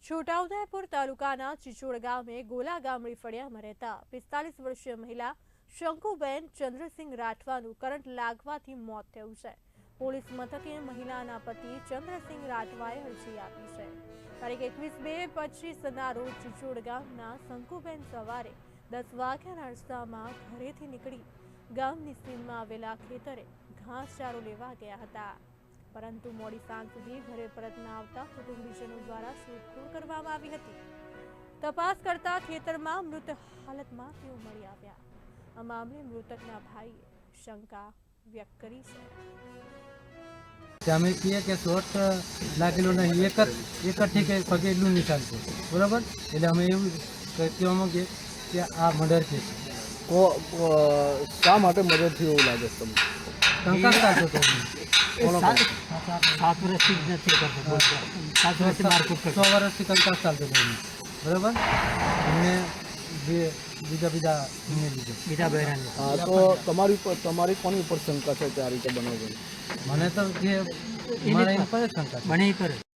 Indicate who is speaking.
Speaker 1: છોટાઉદેપુર તાલુકાના ચિચોડ ગામે ગોલા ગામડી ફળિયામાં રહેતા 45 વર્ષીય મહિલા શંકુબેન ચંદ્રસિંહ રાઠવાનું કરંટ લાગવાથી મોત થયું છે। પોલીસ મથકે મહિલાના પતિ ચંદ્રસિંહ રાઠવાએ અરજી આપી છે। તારીખ 21/2/25ના રોજ ચિચોડ ગામના શંકુબેન સવારે 10 વાગ્યાના અરસામાં ઘરેથી નીકળી ગામની સીમમાં આવેલા ખેતરે ઘાસચારો લેવા ગયા હતા, પરંતુ મોડી સાંજ સુધી ઘરે પરત ન આવતા કુટુંબીજનો દ્વારા શોધખોળ કરવામાં આવી હતી। તપાસ કરતા ખેતરમાં મૃત હાલતમાં તેઓ મળી આવ્યા। આ મામલે મૃતકના ભાઈએ શંકા વ્યક્ત કરી છે।
Speaker 2: અમે કહીએ કે શોટ લાગેલો નહીં, એક જ ઠીકે પગે એટલું નિશાન છે, બરાબર। એટલે અમે એવું કહેવા માંગીએ કે આ મર્ડર કેસ
Speaker 3: શા માટે મર્ડર થયું એવું લાગે છે તમને?
Speaker 2: શંકા ચાલતો હતો।
Speaker 4: 7 વર્ષથી જ નથી કરતો, 7 વર્ષથી મારકૂટ કરતો,
Speaker 2: 6 વર્ષથી કંકાસ ચાલતો હતો, બરાબર। એમને બીજા
Speaker 4: બીજા બહેરાને
Speaker 3: હા, તો તમારી કોની ઉપર શંકા છે કે આ રીતે બનાવ બન્યો?
Speaker 2: મને તો જે મારા એમ પર શંકા છે।
Speaker 4: મને પર